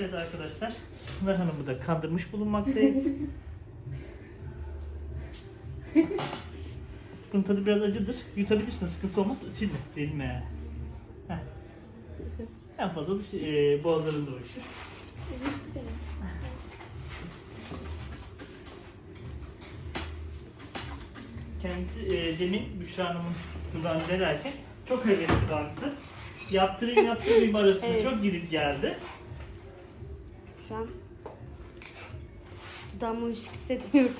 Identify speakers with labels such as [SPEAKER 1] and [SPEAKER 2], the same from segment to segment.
[SPEAKER 1] Evet arkadaşlar, Pınar Hanım'ı da kandırmış bulunmaktayız. Bunun tadı biraz acıdır. Yutabilirsin, sıkıntı olmaz. Silme, silme. Heh. En fazla boğazlarında uyuşur.
[SPEAKER 2] Uyuştu benim.
[SPEAKER 1] Kendisi demin Büşra Hanım'ın dudağını delerken çok hevesli baktı. Yaptırayım arasında
[SPEAKER 2] Evet.
[SPEAKER 1] çok gidip geldi.
[SPEAKER 2] Şu an dudağımı uyuşuk hissetmiyorum.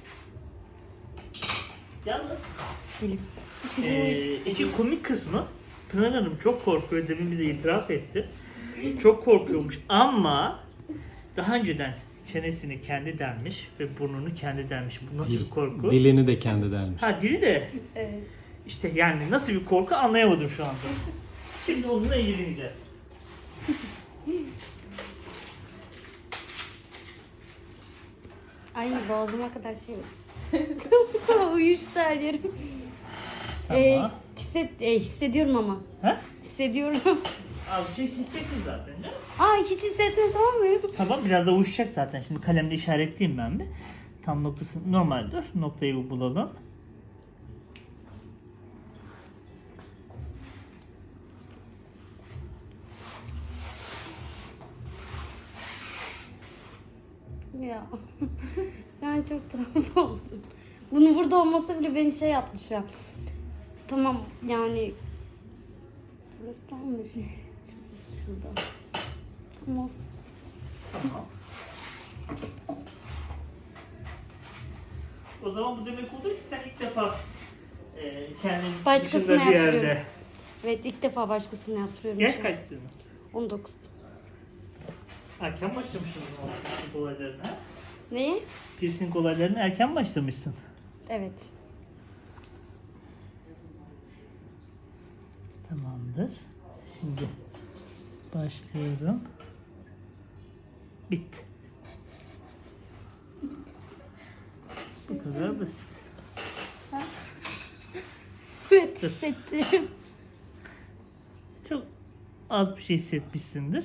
[SPEAKER 1] Yalnız
[SPEAKER 2] Dilim.
[SPEAKER 1] işin komik kısmı Pınar Hanım çok korkuyor, demin bize itiraf etti. Çok korkuyormuş ama daha önceden çenesini kendi delmiş ve burnunu kendi delmiş. Bu nasıl bir korku?
[SPEAKER 3] Dilini de kendi delmiş.
[SPEAKER 1] Ha, dili de
[SPEAKER 2] Evet.
[SPEAKER 1] işte, yani nasıl bir korku anlayamadım şu anda. Şimdi onunla ilgileneceğiz.
[SPEAKER 2] Ay boğazıma kadar şey var. Uyuştu her yerim.
[SPEAKER 1] Tamam.
[SPEAKER 2] Hissediyorum ama.
[SPEAKER 1] Ha?
[SPEAKER 2] Hissediyorum.
[SPEAKER 1] Az bir şey hissedeceksin zaten canım.
[SPEAKER 2] Ay hiç hissetmesem olmuyor.
[SPEAKER 1] Tamam, biraz da uyuşacak zaten. Şimdi kalemle işaretleyeyim ben bir. Tam noktası normal dur. Noktayı bir bulalım.
[SPEAKER 2] Ya. Yani çok travma oldum. Bunun burada olması bile beni şey yapmış ya. Tamam yani. Burası tam mı? Şurada. Tamam.
[SPEAKER 1] Tamam. O zaman bu demek olur ki sen ilk defa kendin
[SPEAKER 2] Başkasına
[SPEAKER 1] dışında bir yerde.
[SPEAKER 2] yaptırıyorum. Evet, ilk defa başkasına yaptırıyorum.
[SPEAKER 1] Yaş
[SPEAKER 2] şimdi.
[SPEAKER 1] kaçsın?
[SPEAKER 2] 19.
[SPEAKER 1] Erken başlamışsın o piercing olaylarına.
[SPEAKER 2] Neyi?
[SPEAKER 1] Piercing olaylarına erken başlamışsın.
[SPEAKER 2] Evet.
[SPEAKER 1] Tamamdır. Şimdi başlıyorum. Bitti. Bu kadar basit.
[SPEAKER 2] Evet, hissettim.
[SPEAKER 1] Çok az bir şey hissetmişsindir.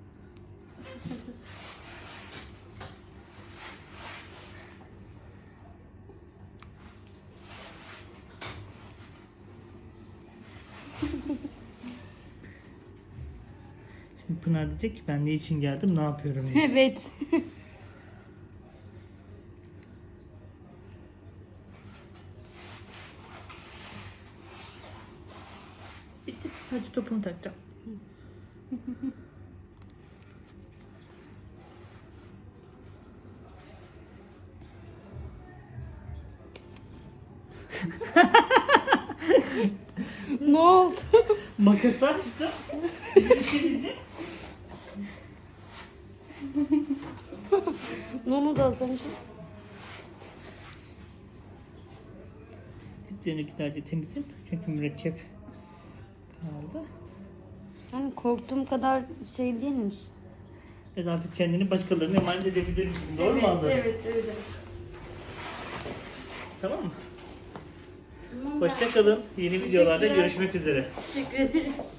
[SPEAKER 1] Şimdi Pınar diyecek ki ben ne için geldim, ne yapıyorum diye.
[SPEAKER 2] Evet.
[SPEAKER 1] Bitti. Sadece topunu takacağım.
[SPEAKER 2] Ne oldu?
[SPEAKER 1] Makası açtım. Bitirdim.
[SPEAKER 2] Ne oldu az önce?
[SPEAKER 1] Diplerini güzelce temizim. Çünkü mürekkep kaldı.
[SPEAKER 2] Yani korktuğum kadar şey değilmiş.
[SPEAKER 1] Evet, artık kendini başkalarına emanet edebilir misin? Doğru mu Azra?
[SPEAKER 2] Evet, öyle.
[SPEAKER 1] Tamam mı?
[SPEAKER 2] Tamam,
[SPEAKER 1] Hoşça kalın. Yeni videolarda
[SPEAKER 2] Teşekkürler.
[SPEAKER 1] görüşmek üzere.
[SPEAKER 2] Teşekkür ederim.